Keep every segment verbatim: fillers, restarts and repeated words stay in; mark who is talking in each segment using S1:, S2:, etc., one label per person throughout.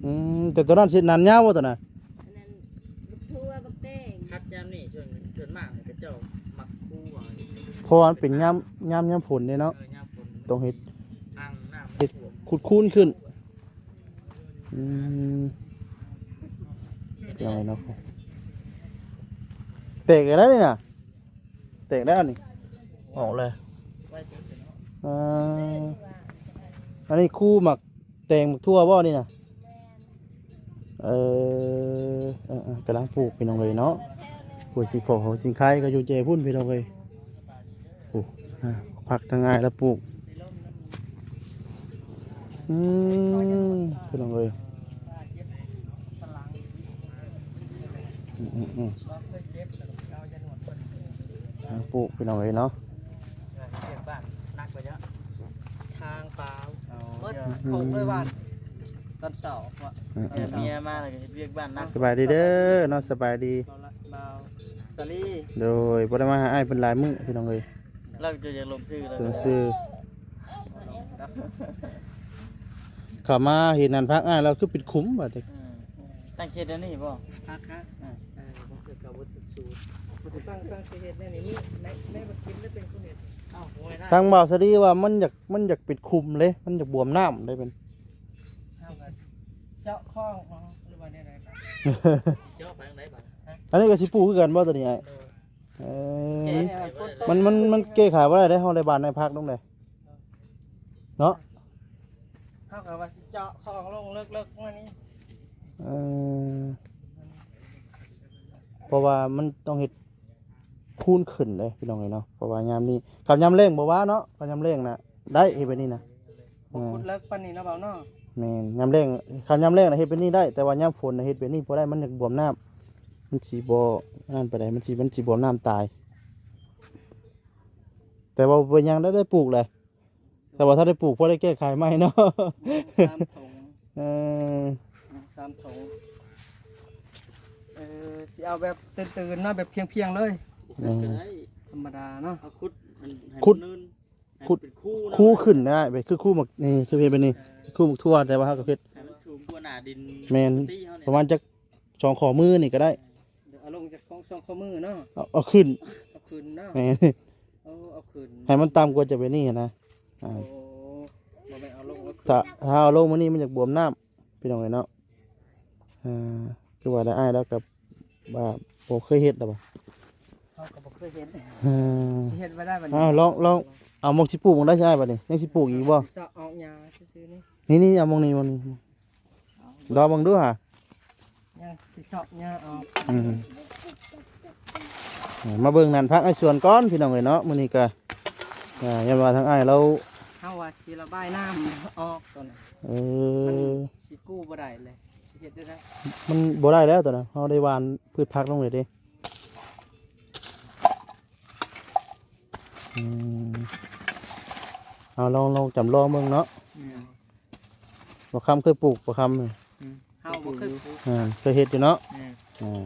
S1: อืมแต่ตัวนั้นสินานยาวบ่ตัวน่ะ
S2: อันนั้นบักทั่วบักแตง
S3: คัดยามนี่ส่วนส่วนมากเนี่ยก็เจ้ามักคู่ว่า
S1: เพราะว่ามันเป็นยามยามยามฝนเด้เนาะ
S3: เออยามฝน
S1: ต้องเฮ็ด
S3: อ่างน้ำ
S1: เฮ็ดขุดคูนขึ้นอืมยังไงเนาะเตะกันแล้วนี่น่ะเตะแล้วนี่ออกเลย
S3: ไว้เถอะเนาะ
S1: อ่าอันนี้คู่หมักแตงหมักทั่วบ่นี่น่ะเออเออเออกำลังปลูกพี่น้องเลยเนาะปลูกสีขอของสิงไข่ก็อยู่เจพุ่นพี่น้องเลยปลูกอ่าผักทางง่ายแล้วปลูกอืมพี่น้องเลยอืมอืมอืมอ่าปลูกพี่น้องเลยเนาะ
S3: เรียกบ้านนักไปเยอะ
S4: ทางเปล่า
S3: เอา
S4: เบิด
S3: เดี๋ยว
S4: โคกด้วยวันตอนเสาร์ว่ะ
S1: อืม
S3: เดี๋
S1: อื
S3: ยว
S1: ม
S3: เมียมาเลยก็เรียกบ้านนัก
S1: สบายดีเด้อเนาะสบายดี
S4: เบาละเบาสาลี่
S1: โดยบ่ได้มาหาอ้ายเป็นหลายมื้อพี่น้องเลย
S3: เราจะจะลงชื่อเลย
S1: เพิ่นซื้อเข้ามาเห็นนั่นพักอ้ายเราคือปิดคุ้มว่าแต่
S3: อืมตั้งเขตเดี๋ยวนี้ป่ะ
S4: คักคักเออผมเกิดกับวัตถุสูตรมันจะตั้งตั้งเหตุในนี้ในในบัตรคิมได้เป็นคนเห็น
S3: เอ้าโอ้ยนะ
S1: ทางบ่าวสะดีว่ามันอยากมันอยากปิดคุมเลย มันอยากบวมน้ำได้เป็น
S4: เท่ากันเจาะข้องอ๋อหรือว่าเนี่ยอะไรครับ
S3: เจ้าไปทางไหนบ้าง
S1: อันนี้ก็สิปลูกคือกันบ่ตัวนี้ไอ้เออ
S4: เนี่ยคนต้
S1: มันมันมันแก้ไขบ่ได้ได้เฮาได้บ้านในพักตรงใดเนาะ
S4: เท่ากับว่าสิเจาะข้องลงเลิกเลิกๆมานี่
S1: เออเพราะว่ามันต้องเฮ็ดคูนขึ้นเลยพี่น้องเอ้ยเนาะเพราะว่ายามนี้กับยามเร่งบ่ว่าเนาะกับยามเร่งน่ะได้เฮ็ดแบบนี้นะ
S4: บุคุดเลิกปันนี่นะเบาเนาะ
S1: แม่นยามเร่งคันยามเร่งน่ะเฮ็ดแบบนี้ได้แต่ว่ายามฝนน่ะเฮ็ดแบบนี้บ่ได้มันอยากบวมน้ำมันสิบ่นั่นไปได้มันสิมันสิบวมน้ำตาย แต่ว่าเป็นหยังได้ได้ปลูกเลยแต่ว่าถ้าได้ปลูกพอได้แก้ไขไหมเนาะ
S4: สามถุง
S1: เออ
S4: สามถุงเออสิเอาแบบตื่นๆเนาะแบบเพียงๆเลย
S3: ก็ได้
S4: ธรรมดาเนาะ
S3: เอาคุดมันให้
S1: คุด
S3: มันเนินให้
S1: คุด
S3: มันเป็นคู่นะ
S1: คู่ขึ้นได้ไปคือคู่หมกนี่คือเพลเป็นนี่คู่หมกทั่วแต่ว่าเขาก็เพชร
S3: ให้มันสูงกว่าหน้าดิน
S1: แมน
S3: ตีเขาเนี่ย
S1: ประมาณจะสองขอมือนี่ก็ได้
S4: เดี๋ยวเอาลงจากข้องช่องข้อมือเนาะ
S1: เอาเอาขึ้น
S4: เอาคืนเนาะ
S1: แมน
S4: เอาเอาคืน
S1: ให้มันต่ำกว่าจะเป็นนี่นะอ่า
S4: โอ้บ่แม่นเอาลงแล้วคืน
S1: ถ้าถ้าเอาลงมานี่มันจะบวมน้ำพี่น้องเลยเนาะอ่าคือว่าได้อ้ายแล้วกับว่าผมเคยเฮ็ดแต่บ่
S4: เขาก็บ่เคยเห็น
S1: อ่า
S4: สิเฮ็ดไว้ได้บัด
S1: อ้าวลองลองเอามองที่ปลูกมันได้ใช่ป่ะนี่ยังสิปลูกอีกบ่
S4: สิเสาะเอาหญ้าซื่อๆนี่
S1: นี่นี่เอามองนี่มองนี่ดอมองดูฮะ
S4: ยังสิเสาะหญ้าเอา
S1: อืมมาเบิ่งนั่นพักไอ้ส่วนก้อนพี่น้องเอ้ยเนาะมื้อนี้ก็อ่ายันว่าทางอ้ายเรา
S4: เฮาว่าสิระบายน้ำออกตอนนั้น
S1: เอ
S4: มัน
S1: อ
S4: สิกู้บ่ได้เลยสิเฮ็ดได้ได
S1: มันบ่ได้แล้วตอนนั้นเฮาได้หวานพืชผักลงเลยเด้อืมเอาลองลองจำลองเบิ่งเนาะ
S3: อืม
S1: บ่คำเคยปลูกบ่คำ
S3: อืม
S4: เฮาบ่เคยปลูก
S1: อ่าเคยเฮ็ดอยู่เนาะ
S3: อืม
S1: อ่า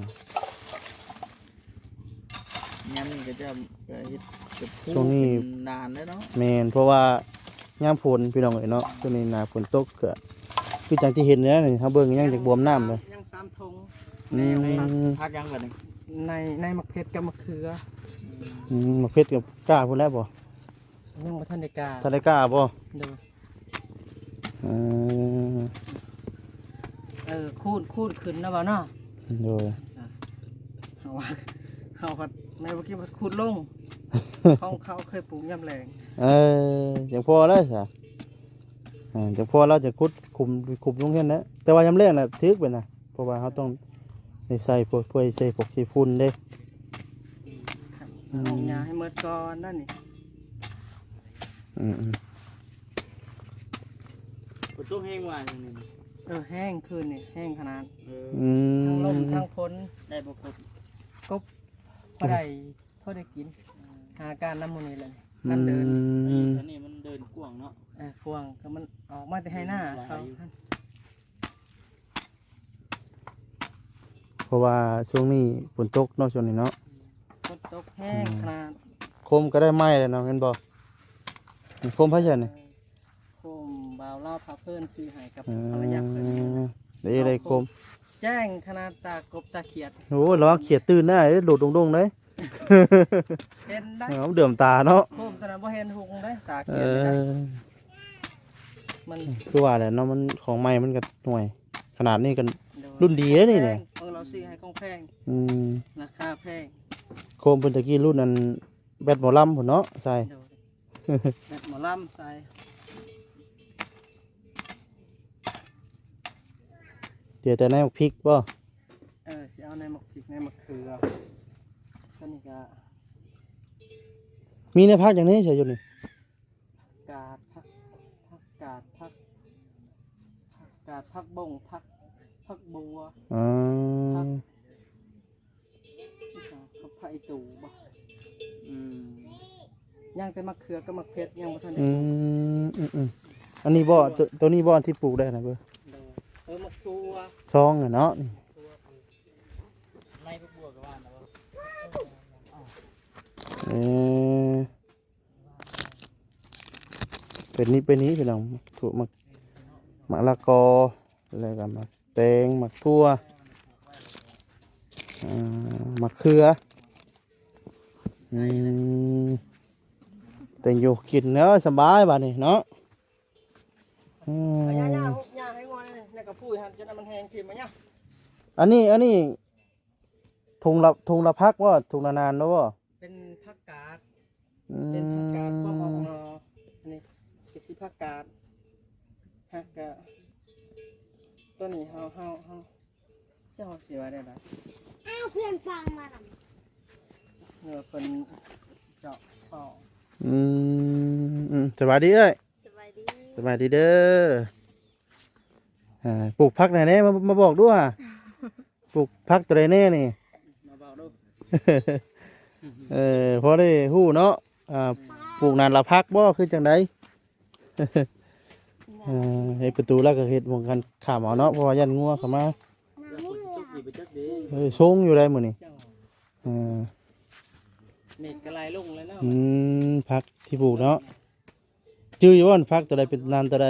S3: ยามนี้ก็จะก็เฮ็ดกับคู่
S1: ช่วงนี้
S3: เป็นนานแล้วเนาะ
S1: แม่นเพราะว่ายามฝนพี่น้องเอ้ยเนาะช่วงนี้หน้าฝนตกก็คือจังที่เห็นเนี่ยนี่เฮาเบิ่งยังจากบวมน้ำเลย
S4: ยังสามธง
S1: อืม
S3: พักยังบัดนี้
S4: ในในมะเขือกับมะเขือ
S1: อืมมะเพชรกับกล้าพุ่นแล้วบ่
S4: ยังบ่ทันได้กล้า
S1: ถ้าได้กล้าบ่
S4: เด้อ
S1: อืม
S4: เออคูนคูนขึ้นนะบ่เนาะ
S1: โดย
S4: เฮาว่าเฮาพัดแม่บ่คิดว่าคูนลงของเขาเคยปลูกยามแลง
S1: เออจังพอแล้วซะอ่าจังพอเราจะขุดคุมคุมลงเฮ็ดนะแต่ว่ายามแรกน่ะถึกไปนะเพราะว่าเขาต้องได้ใส่พวกถ้วยใส่พวกสีฝุ่นเด้
S4: เอาหญ้าให้หมดก่อนนั่นนี่
S1: อืม
S3: ฝนตกแห้งว่าอย่างนี้
S4: เออแห้งคืนนี่แห้งขนาด
S3: เออ
S1: ๆอื
S4: ทั้งลม
S1: ม
S4: ทั้งฝน
S3: ได้บ่ครบ
S4: กบพอได้พอได้กินหาการน้ำมันนี่เลย
S1: อื
S4: กันเดิน
S3: ไอ้
S1: ม
S3: อันนี้มันเดินกว้างเนาะ
S4: เออฟวงก็มันออกมาแต่ให้หน้าเขา
S1: เพราะว่าช่วงนี้ฝนตกเนาะช่วงนี้เนาะ
S4: ฝนตกแห้งขนาด
S1: โคมก็ได้ไหม้เลยเนาะเห็นบ่โคมพะยันนี่
S4: โคมบ่าวเล่าพาเพื่อนซื้อให้กับ
S1: อื
S4: ภรรยาเพื่อน
S1: มเดี๋ยวโคม
S4: แจ้งขนาดตากบตาเขียด
S1: โอ้ระวังเขียดตื่นได้เด้อโดดดงๆเด้
S4: เห็นได้
S1: เอาเดือมตาเนาะ
S4: โคมตอนนั้นบ่เห็นหุงได้ตา
S1: เอ
S4: เขียดไม่ได้
S1: อ
S4: มัน
S1: คือว่าแหละเนาะมันของใหม่มันก็หน่วย ขนาดนี้กัน
S4: โด
S1: รุ่นดีเด้อนี่เนี่ย
S4: เออเราซื้อให้ของแพง
S1: อืม
S4: ราคาแพง
S1: โคมเพิ่นตะกี้รุ่นนั้นแบตหมอลำพุ่นเนาะใส่
S4: โดแบบหมอลำใส่
S1: เดี๋ยวแต่ในพริกบ่
S4: เออสิเอาในมะพริกในมะเขือก็นี่ก็
S1: มีในภาคอย่างนี้ใช่อยู่นี่
S4: กาดผักผักกาดผักผักกาดผักบงผักผักบัว
S1: อ๋อ
S4: ผักไผ่ตู่บ่อืมย่างแต่มะเขือกับมะเขือยังบ่ทันได้
S1: อืมอืมอืมอันนี้บ่ตัวตัวนี้บ่ที่ปลูกได้นะเบ้อ
S4: เออมะกรูด
S1: ซองอะเนาะ
S3: ในพวกบัวก็ว่านะว่า
S1: เออเป็นนี้เป็นนี้พี่น้องถูกมักมะละกออะไรกันมักแตงมักทั่วอ่ามักเขืออืมแตงอยู่กินเนาะสบายบัดนี้เนาะอืม
S4: เอาย่าๆหุบย่าให้งอนนี่ก็พูดหั่นจนมันแห้งทิ่มมาเนี่ย
S1: อันนี้อันนี้ทุงละทุงละพักว่าทุงละนานแล้วว่า
S4: เป็นผักกาด
S1: อื
S4: เป็นผักกาดพวก
S1: ม
S4: ของเอ่ออันนี้คือสิผักกาดผักกาดตัวนี้เฮาเฮาเฮาเจ้าสิว่าได้ล่ะ
S2: อ้าวเพื่อนฟังมาหน่อย
S4: เนื้อเพิ่นเจาะคอ
S1: อืมอืมสบายดีเอ้ย
S2: สบายดี
S1: สบายดีเด้ออ่าปลูกพักไหนแน่มามาบอกด้วยอะปลูกพักตัวไหนแน่นี่
S4: มาเบาดู
S1: เออพอได้ฮู้เนาะอ่าปลูกนานละพักบ่คือจังได เออเฮ็ดประตูแล้วก็เฮ็ดหมองกันข้ามเอาเนาะเพราะว่ายันงัวเข้ามา
S3: ทุกปีไปจักดี
S1: เอ้ยชงอยู่ได้มื้อนี้
S4: เจ้า
S1: เออ
S4: เน็ตกระไรลงเลยเนาะ
S1: อืมพักที่ปลูกเนาะจื้ออยู่ว่าพักตัวใดเป็นนานตัวใด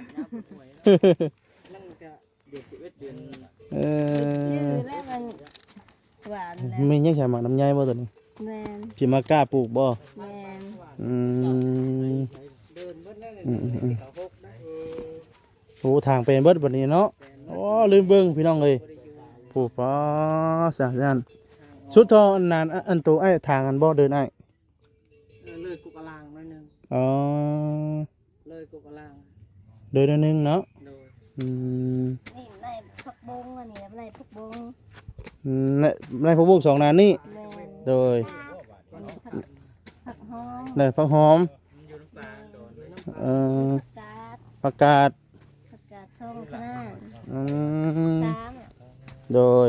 S4: นั่นก็
S3: เดือนสิบเอ็ดเดือน
S1: เอ
S2: ชื่อ
S1: อ
S2: แล้วมันหวานนะ
S1: มียังใช่หมักน้ำใยบ่ตัวนี้
S2: แมน
S1: สิมากล้าปลูกบ่
S2: แมน
S1: อืม
S4: เดินเบิดนั่นเลย
S1: อืมอืมอืม
S4: เขาหกได้
S1: โอ้ทางเป็นเบิดบัดนี้เนาะโอ้ลืมเบิ่งพี่น้องเอ้ยปลูกป้อสะจันสุดทองอันนานอันโตไอ้ทางอันบ่เดินไอ้
S4: เออเลยกุกกะลางหน่อยหนึง
S1: อ๋อ
S4: เลยกุกกะลาง
S1: เดินอันนึงเนาะ
S4: โดย
S1: อืม
S2: นี่ในผักบงอันนี้ในผักบง
S1: อืมในในพวกบุกสองนานนี่
S2: แมน
S1: โดย
S2: อันนี้ผักผักหอม
S1: ได้ผักหอม
S3: อยู่น้ำปลาโดน
S1: เอ่อ
S2: ผักกาด
S1: ผักกาด
S2: ผักกาดทองขนาด
S1: อืม
S2: สาม
S1: โดย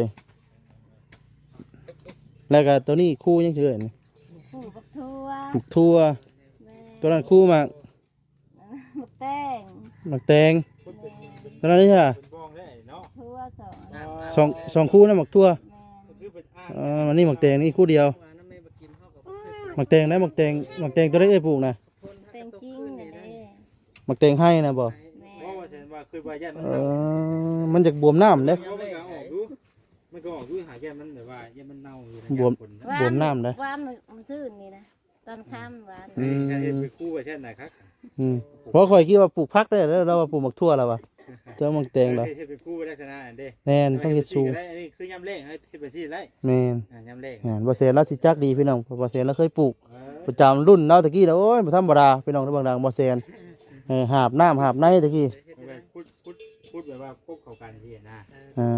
S1: แล้วก็ตัวนี้คู่ยังเฉยนี่
S2: ผู้บักทั่ว
S1: หมักทั่ว
S2: แมน
S1: ตัวนั้นคู่หมัก
S2: บักแป้ง
S1: หมักแตง
S2: แมน
S1: ตัวนั้นนี่ค่ะ
S5: เป็นบ้องได้เนาะ
S2: ทั่วสอง
S1: สองสองคู่นะหมักทั่ว
S2: แมน
S5: คือเป็นอ้าง
S1: เออมันนี่หมักแตงนี่คู่เดียว
S4: ว่าน้ำแม่บ่กินเฮาก็บ่เคย
S1: หมักแตงนะหมักแตงหมักแตงตัวได้เอ้ยปลูกนะ
S4: คน
S2: เป็นจริงอันนี้
S1: หมักแตงให้นะบ่
S2: แม
S5: เพราะ
S2: น
S5: ว่าฉันว่าคือว่ายันมัน
S1: เอ
S5: เน่า
S1: อมันจากบวมน้ำเด้
S5: เพราะมันก็ออกดูมันก็ออกดูหาแก้มันแบบว่ายันมันเน่าอยู่
S1: บวม
S5: คน
S1: บวมน้ำเด้
S2: ว่ามันมันซื่นนี่นะตอนค่ำหวาน
S1: อืม
S5: ถ้าเห็นไปคู่ไปเช่นไหนครับ
S1: อืมเพราะข่อยคิดว่าปลูกพักได้แล้วเราว่าปลูกหมักทั่วแล้ววะเจอหมักแตงแล้ว
S5: เห็นไปคู่ไปได้ชนะอันเด้
S1: แน่นต้องเฮ็ดสูง
S5: ได้อันนี้คือยำเล่งให้เฮ็ดไปซี่ได้
S1: แม่น
S5: อ่ายำเล่ง
S1: งานบ่เซนแล้วสิจักดีพี่น้องเพราะบ่เซนแล้วเคยปลูก
S5: เออ
S1: ประจำรุ่นเนาะตะกี้แล้วโอ้ยบ่ธรรมดาพี่น้องในบางดังบ่เซนเออหาบน้ำหาบในตะกี้
S5: มันเป็นพูดพูดพูดแบบว่าพบเข้ากันที่นะ
S1: อ่า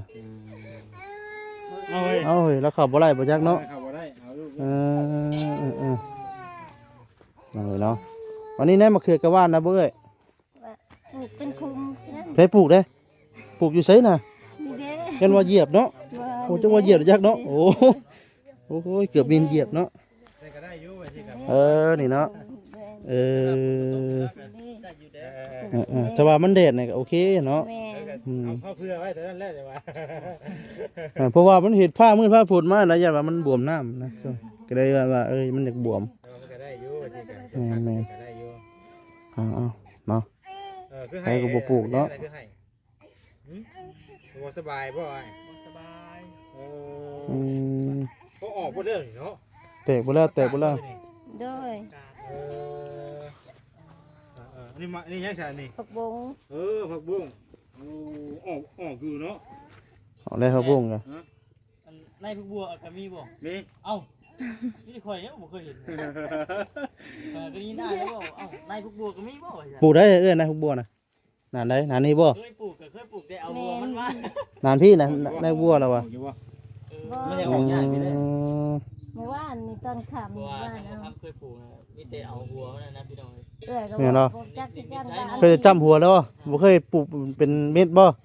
S5: เอาเว้ย
S1: เอาเฮ้ยแล้วเข้าบ่ไล่บ่จักเนาะ
S5: เข้าบ่ได้เอาลูก
S1: เออเออเออนั่นเลยเนาะวันนี้แน่มาเขือกะว่านนะเบ้ย
S2: ปลูกเป็นคุมนั่น
S1: เพิ่ปลูกเด้ปลูกอยู่ไสน่ะ
S2: นี่เด้
S1: กันว่าเหยียบเนาะโอ้จังว่าเหยียบจักเนาะโอ้โหโอ้โหเกือบบินเหยียบเนาะ
S5: แต่ก็ได้อยู่ว่าที่กับ
S1: เออนี่เนาะเออ
S2: นี่
S3: ได้อยู่เด้
S1: เออเออแต่ว่ามันแดดเนี่ยก็โอเคเนาะ
S2: แม่
S5: เอาเข้าเพื่อไว้แต่นั้นแหละแต่ว่า
S1: เออเพราะว่ามันเห็ดผ้ามืดผ้าผุดมาแล้วอย่าว่ามันบวมน้ำนะso ก็เลยว่าว่าเอ้ยมันอยากบวม
S5: มันก็ได้อยู่ว่าที่กับ
S1: แม่นแม่น
S5: ก็ได้อยู่
S1: เอาเอาเนาะ
S5: เออคือ
S1: ให้ก็บ่ปลูกเนาะ
S5: คือให้
S1: เ
S5: บ่สบายบ่ไอ้
S4: บ่สบาย
S5: เอ
S1: อื
S5: อ
S1: ม
S5: ก็ออกบ่ได้เนาะ
S1: แตกบ่แล้วแตกบ่แล้ว
S2: โดย
S5: เออเออนี่มานี่ยังไงนี่
S2: ผักบง
S5: เออผักบุ้งโอ้ออกออกอยู่เนาะ
S1: เอาได้ครับบุ้งกะ
S3: อันในพวกบัวก็มีบ่
S5: มี
S3: เอ้านี่ข่อยเนี่ยบ่เคยเห็นเออก็นี่ได้แล้วบ่เอ้าในพวกบัวก็มีบ่ว่า
S1: ปลูกได้เอ้ยนะพวกบัวน่ะนานได้นานนี้บ่
S3: เคยปลูกก็เคยปลูกแต่เอาบัวมันมา
S1: นานพี่นะได้บัวแล้ววะ
S5: ออกอยู่บ่
S2: บ่
S3: ไม่ได้ออกยากไปเลย
S2: เมื่อวานนี่ตอนค่ำ
S3: บั
S2: เมื่
S3: ว
S2: อวาน
S3: นะ
S2: เอา
S3: ครับเคยปลูกนะมีแต่เอาบัวมันนะพี่น้อง
S2: เอ้ยก็บอกบ่จักสิจังว่า
S1: เคยจำหัวแล้วบ่บ่เคยปลูกเป็นเม็ดบ่
S3: บัวบ่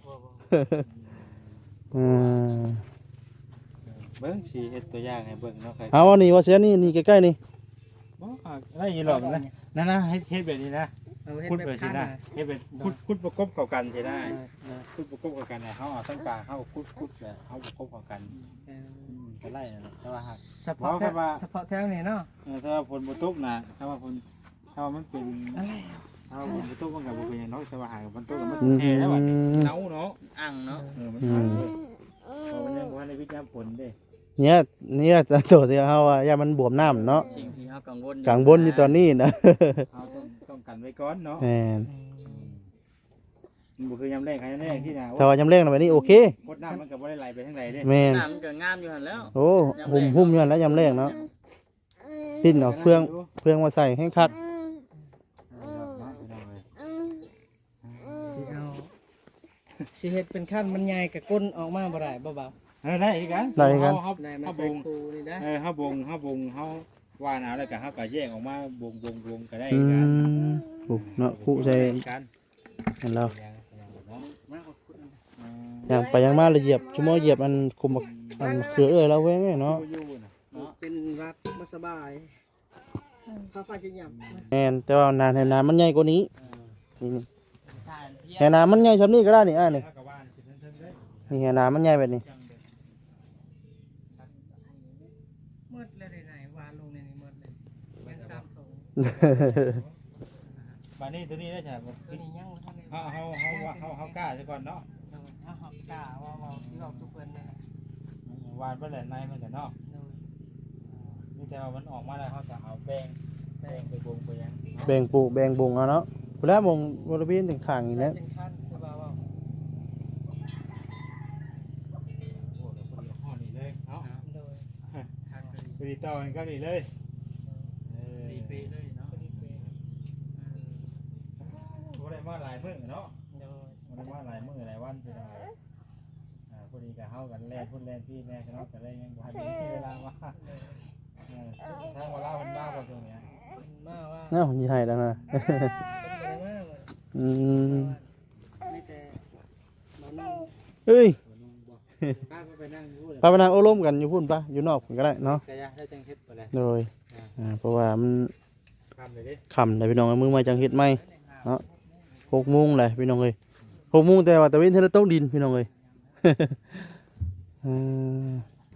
S1: อืม
S5: เบิ่งสิเฮ็ดตัวอย่างให้เบิ่งเนาะใคร
S1: เอาอันนี้ว่าเสียนี่นี่ใกล้ๆนี่
S5: บ่อะไรอย่างนี้หรอกนะนั่นนะเฮ็ดเฮ็ดแบบนี้นะ
S4: เอาเฮ็ด
S5: คุด
S4: แบ
S5: แบบ บ
S4: คั
S5: นี้
S4: น
S5: นะ
S4: น่ะ
S5: เฮ็ดแบบคุดคุดประกบเข้ากันใช่ได้
S4: เออ
S5: คุดประกบเข้ากันเนี่ยเฮาเอาตั้งกลางเฮาคุดคุดแบบเฮาประกบเข้ากัน
S4: เออ
S5: อืมก็ไล่นะแต่ว่าหาก
S4: เฉพาะแถวเฉพาะแถวนี้เนาะ
S5: เออถ้าว่าฝนบ่ตกนะถ้าว่าฝนถ้าว่ามันเป็นถ้าว่าฝนบ่ตกมันก็บ่เป็นหยังเนาะแต่ว่าหากฝนตกก็มัน
S1: อื
S5: สิ
S1: ม
S5: แช่แล้วบัดเนาเนาะ
S3: อ่างเนาะ
S5: เออมันหายเลยเพราะมันยังบ่ทันได้วิจารณ์ผลเด้
S1: เนี่ยเนี่ยตัวที่เฮาว่าอย่ามันบวมน้ำเนาะ
S3: สิ่งที่เฮากังวล
S1: กลางบนอยู่ตอนนี้นะ
S5: เฮาต้องต้องกันไว้ก่อนเนาะ
S1: แม่น
S5: มันบ่คือยามแรงใครยามแรงที่น่ะ
S1: ถ้าว่าจำเร่งน่ะแบบนี้โอเค
S5: กดน้ำมันก็บ่ได้ไหลไปทางใดเด้
S1: แม่น
S3: น้ำมันก็งามอยู่หั่นแล้ว
S1: โอ้หุ่มหุ่มอยู่นั่นแล้วยำแรงเนาะปิ้นเอาเครื่องเครื่องมาใส่ให้คัก
S4: สิเอาสิเฮ็ดเป็นขั้นมันใหญ่กับก้นออกมาบ่ได้บ่เบา
S5: เออได้อีกกัน
S1: ได้กัน
S5: เฮา
S4: ได้มา
S5: เฮา
S4: ใส่
S5: บง
S4: คูนี่ได้
S5: เออเฮาบงเฮาบงเฮาว่านเอาแล้วก็เฮาก็แยกออกมาบงบงบงก็ได้
S1: อื
S5: อีกกัน
S1: มโอ้เนาะผู้ใส่
S5: กัน
S1: นั่นแล้ว
S5: ยังยังเนาะมาเอาคุณเออ
S1: อย่างไปอย่างมาเลยเหยียบชั่วโมงเหยียบมันคุมอันเขือเอ้ยแล้วเว้ยเนาะ
S5: อยู่ๆน่ะเนาะ
S4: เป็นวัดบ่สบายเขาฟ้าจะหยับ
S1: แม่นแต่ว่านานให้นามันใหญ่กว่านี้
S5: เออ
S1: นี่
S3: ใช่เพีย
S1: ให้นามันใหญ่ซำนี้ก็ได้นี่อ่านี่
S5: เฮาก็ว่านสิเทิงๆเด้
S1: นี่ให้นามันใหญ่แบบนี้
S5: จังเด้
S4: มืดเลยไหนๆวานลงในนี้มืดเลยเป็นซ้ำตรง
S5: บัดนี้ตัวนี้ได้ใช่บ่
S4: ตัวนี้ยังบ่ทันได้
S5: เฮาเฮาเฮาว่าเฮาเฮากล้าซะก่อนเนาะ
S4: โดยเอาหอกกล้าว่าเว้าสิเว้าทุกเพิ่นนั่นแหละ
S5: วานบ่แหละในมันก็เนาะ
S4: โดย
S5: มีแต่ว่ามันออกมาแล้วเฮาก็เอาแป้งแป้งไปบงไปหยัง
S1: แบ่งปลูกแบ่งบุงเอาเนาะพุ่นแล้วมงบริเวณถึงข้างนี่แหละ
S4: เป็นขั้นคือว่าเว้า
S5: โอ้เดี๋ยวพอดีห่อนี่เลยเนาะ
S4: โดยทางกัน
S5: พอดีต่อกันก็นี่เลยเออ
S3: ดีเปเลยเนาะ
S5: บ่ได้มาหลายมื้อเนาะ
S4: โดย
S5: บ่ได้มาหลายมื้อหลายวันเป็นจังไดอ่าพอดีก็เฮากันแล่นพุ่นแล่นพี่แม่กันเนาะก็เลยยังบ่ทันได้มีเวลามาเออทางเวลามันมาบ่ตรงเนี้ย
S4: มาว่า
S1: เนาะสิให้แล้วนะ
S4: เป็นไปได้มากเลย
S1: อืม
S4: ไม่แต่บ่นุ่ง
S1: เอ้ย
S5: บ่นุ่งบ่ป้าก็ไปนั่งอยู่เลย
S1: พาไปนั่งโอ้ล้มกันอยู่พุ่นปะอยู่นอกพุ่นก็ได้เนาะ
S5: กะยะได้จังเฮ็ดบ่แล
S1: โดยอ่าเพราะว่ามัน
S5: คำเลยเด้
S1: ค่ำเลยพี่น้องเอามือมาจังเฮ็ดไหมเนาะหกโมงเลยพี่น้องเอ้ยหกโมงแต่ว่าตะเวนเทเลตกดินพี่น้องเอ้ย อืม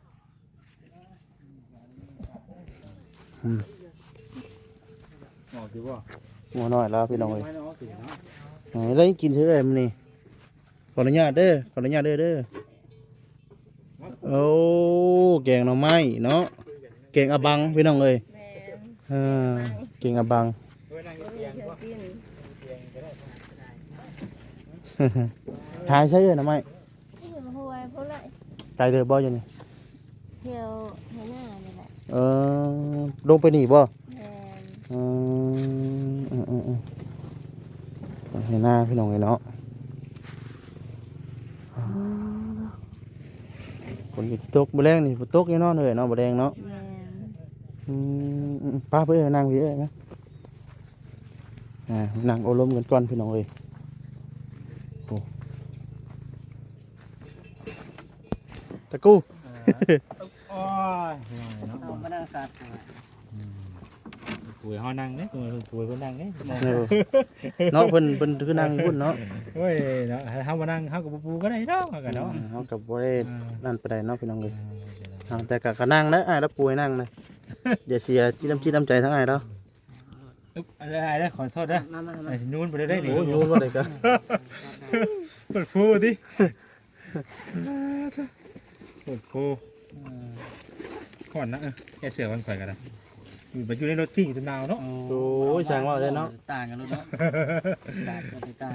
S5: ออกอยู่บ่
S1: หมัวน้อยแล้วพี่น้องเอ้ย
S5: ไม่น้องสิเนาะ
S1: ไหนแล้วกินเสื้อเอ้ยมันนี่ขออนุญาตเด้อขออนุญาตเด้อเด้อโอ้แกงหน่อไม้เนาะแกงอะบังพี่น้องเอ้ย
S2: แม่น
S1: อ่าแกงอะบัง
S5: เฮ้ยนั่งอ
S2: บ่
S5: ยู่
S2: มี
S5: เตียง
S2: เทื่อ
S5: บ่
S2: กิน
S5: เตียงก็ได้
S1: หายใช่เอ้ยหน่อไม้
S2: ที่อยู่ห้วยพุ่นเลย
S1: ไกลเด้อบ่อยู่นี่
S2: เที่ยวให้หน้านี่แหละ
S1: เออลงไปนี่บ่
S2: แม่น
S1: อืมอืมอืมอืมเห็นหน้าพี่น้องเลยเนาะฝนก็สิตกบ่แรงนี่ฝนตกแน่นอนเลยเนาะบ่แรงเนาะ
S2: แม่น
S1: อืมอืมป้าเพื่อนนั่งพี่เอ้ยไหมอ่านั่งโอลมกันก่อนพี่น้องเอ้ยโอ้ตะกู้
S5: โอ้ยเนาะ
S4: เอามานั่งสัตว์
S5: ป่วยเฮานั่งเด้ป่วยป่วยเพิ่นนั่งเด้
S1: เออเนาะเพิ่นเพิ่นคือนั่งพุ่นเนาะ
S5: เฮ้ยเนาะเฮามานั่งเฮาก็บ่ปูก็ได้เนาะเฮาก็เนาะ
S1: อืมเฮากับบ่ได้นั่นไปได้เนาะพี่น้องเอ้ย
S5: เออ
S1: อ่าแต่ก็ก็นั่งนะอ้ายแล้วป่วยนั่งนะอย่าเสียที่น้ำจิตน้ำใจทั้งอ้ายแล้ว
S5: อึ๊บอะไรได้ขอโทษเด้อ
S4: มามามา
S5: ไอ้สินูนบ่ได้ได้นี่
S1: โอ้ยโยนว่าได้ก็
S5: เปิดฟูดิโอ้โหก่อนนะเออแกเสือวันข่อยกันนะอยู่ไปอยู่ในรถกิ้งจนหนาวเนาะ
S1: โอ้ยช่างว่าเลยเนาะ
S3: ต่างกันลูกเนาะต่างกันไปต่าง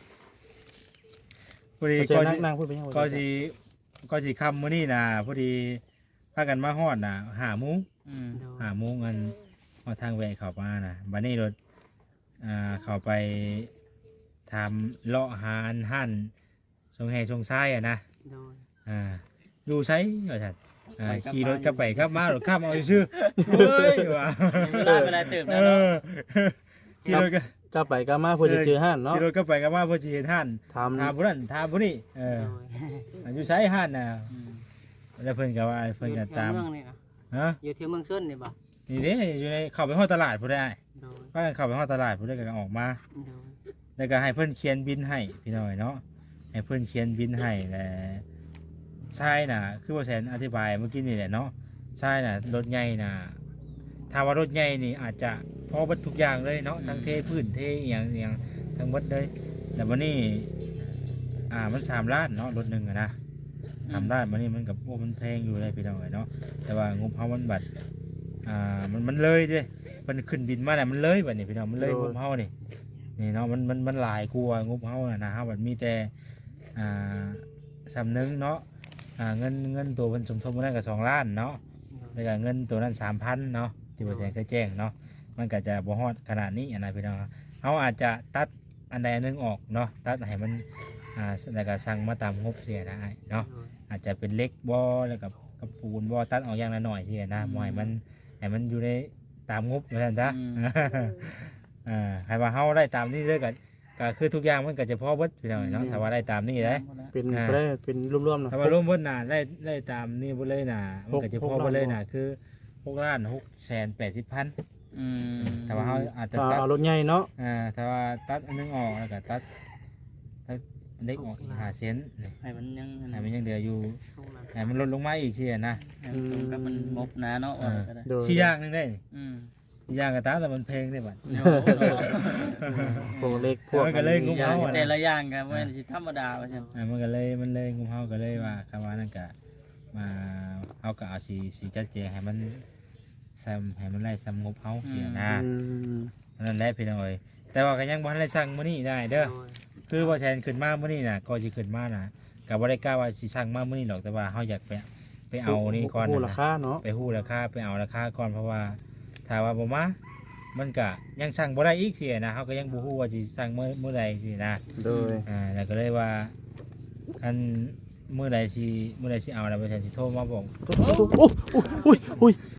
S5: พอดี
S1: เชิ
S5: ก็
S1: ญนั่
S5: สิ
S1: งนั่งพูดไปยัง
S5: ก็สิก็สิคำมื้อนี้นะพอดีพากันมาฮอดน่ะห้าโมง
S3: อืม
S5: ห้าโมงกันฮอดทางแวะเข้ามาน่ะบัดนี้รถอ่าเข้าไปทำเลาะหาอันหั่นทรงแห่ทรงซ้ายอ่ะนะ
S4: โดย
S5: อ่าอยู่ไสว่าซั่นอ่าขี่รถกลับไปกลับมารถข้ามเอาซื่อๆเฮ้ยว่า
S3: เวลาเวลาตื่น
S5: เอ
S3: แล้วเนาะ
S5: อขี่รถก็
S1: ก็ไปก็มาเพื่อจะเจอห้านเนาะ
S5: ขี่รถกลับไปกลับมาเพื่อสิเห็นหั่น
S1: ทำ
S5: ถามผู้นั้นถามผู้นี้เออ
S4: โดย
S5: อยู่ไสหั่นน่ะ
S3: อืม
S5: แล้วเพิ่นก็ว่าเพิ่นก็ตาม
S4: อยู่แถวเมืองนี่นะ
S5: ฮะ
S4: อยู่ที่เมืองส้นนี่บ่
S5: นี่เด้อยู่ในเข้าไปฮอดตลาดผู้ได้
S4: โดย
S5: ว่ากันเข้าไปฮอดตลาดผู้ได้ก็ออกมา
S4: โดย
S5: แล้วก็ให้เพิ่นเขียนบินให้พี่น้อยเนาะให้เพิ่นเขียนบินให้และทรายน่ะคือว่าแสนอธิบายเมื่อกี้นี่แหละเนาะทรายน่ะรถใหญ่น่ะถ้าว่ารถใหญ่นี่อาจจะพอเบัดทุกอย่างเลยเนาะทั้งเทพื้นเทอหย่างอหย่างทั้งหมดเลยแต่วันนี้อ่ามันสามล้านเนาะรถหนึงอะนะสามล้านวันนี้มันกับโอ้มันแพงอยู่เลยพี่น้อยเนาะแต่ว่างบเฮามันบัดอ่ามันมันเลยเด้มันขึ้นบินมาน่ะมันเลยบัดนี้พี่น้องมันเลยงบเฮานี่ นี่เนาะมันมันมันหลายกลัวางบเฮาน่ะนะฮะมันมีแต่อ่าสำนึงเนาะอ่าเงินเงินตัวเพิ่นสมทบมาได้ก็สองล้านเนาะแล้วก็เงินตัวนั้น สามพัน เนาะที่บ่แจ้งเคยแจ้งเนาะมันก็จะบ่ฮอดขนาดนี้อันนะพี่น้องเฮาอาจจะตัดอันใดอันหนึงออกเนาะตัดให้มันอ่าแล้วก็สั่งมาตามงบเสียนะเนาะอาจจะเป็นเหล็กบ่แล้วก็กับปูนบ่ตัดออกอย่างละหน่อยเสียนะบ่ให้มันให้มันอยู่ในตามงบว่าซั่นซะ อ่าให้ว่าเฮาได้ตามนี้เลยก็ก็คือทุกอย่างมันก็จะพอเบิดพี่น้องเนาะถ้าว่าได้ตามนี้ได้
S1: เป็นบ่ได้เป็นรวมๆเนาะ
S5: ถ้าว่ารวมเบิดน่ะได้ได้ตามนี้เบิดเลยน่ะมันก็จะพอเบิดเลยน่ะคือหกล้านหกแสนแปดสิบพัน
S3: อืม
S5: ถ้าว่าเฮาอาจจะ
S1: ถ้า
S5: ตัด
S1: เอารถใหญ่เนาะ
S5: อ่าถ้าว่าตัดอันนึงออกแล้วก็ตัดตัดเล็กออกอีกห้าเซนนี่
S3: ให้มันยัง
S5: ให้มันยังเหลืออยู่ให้มันลดลงมาอีกเที่ยนะ
S3: ให้มันตรงกับมันงบหนาเนาะว่าก็ได้
S1: โดย
S5: สี่อย่างหนึงได้นี่
S3: อืม
S5: สี่อย่างก็ตามแต่มันเพลงได้บัด
S3: โอ้โห
S1: พวกเล็กพวก
S5: มันก็เลยง
S3: อย่าง
S5: เฮาอะนะ
S3: แต่ละอย่างก็บ่แม่นสิธรรมดาว่าซั่น
S5: อ่ามันก็เลยมันเลยงุมเฮาก็เลยว่าคำว่านั่นก็มาเฮาก็เอาสีสีจัดแจงให้มันซ้ำให้มันไล่ซ้ำงบเฮาเสียนะ
S1: อืม
S5: นั่นแหละพี่น้องเอ้ยแต่ว่าก็ยังบ่ทันได้สั่งมื้อนี้ได้เด้อคือบ่แทนขึ้นมามื้อนี้น่ะก็สิขึ้นมาน่ะก็บ่ได้กล้าว่าสิสั่งมามื้อนี้หรอกแต่ว่าเฮาอยากไปไปเอานี่ก่อน
S1: โอ้
S5: น่ะ
S1: รา
S5: นะ
S1: คาเนาะ
S5: ไปฮู้ราคาไปเอาราคาก่อนเพราะว่าถ้าว่าบ่มามันก็ยังสั่งบ่ได้อีกเสียนะเฮาก็ยังบ่ฮู้ว่าสิสั่งมื้อมื้อใดสินะ
S1: โดย
S5: อ่าแล้วก็เลยว่าอันเมื่อใดสิเมื่อใดสิเอาแล้วไปแทนสิโทรมาบอก
S1: โอ้โอ้โอ้ยโอ้ย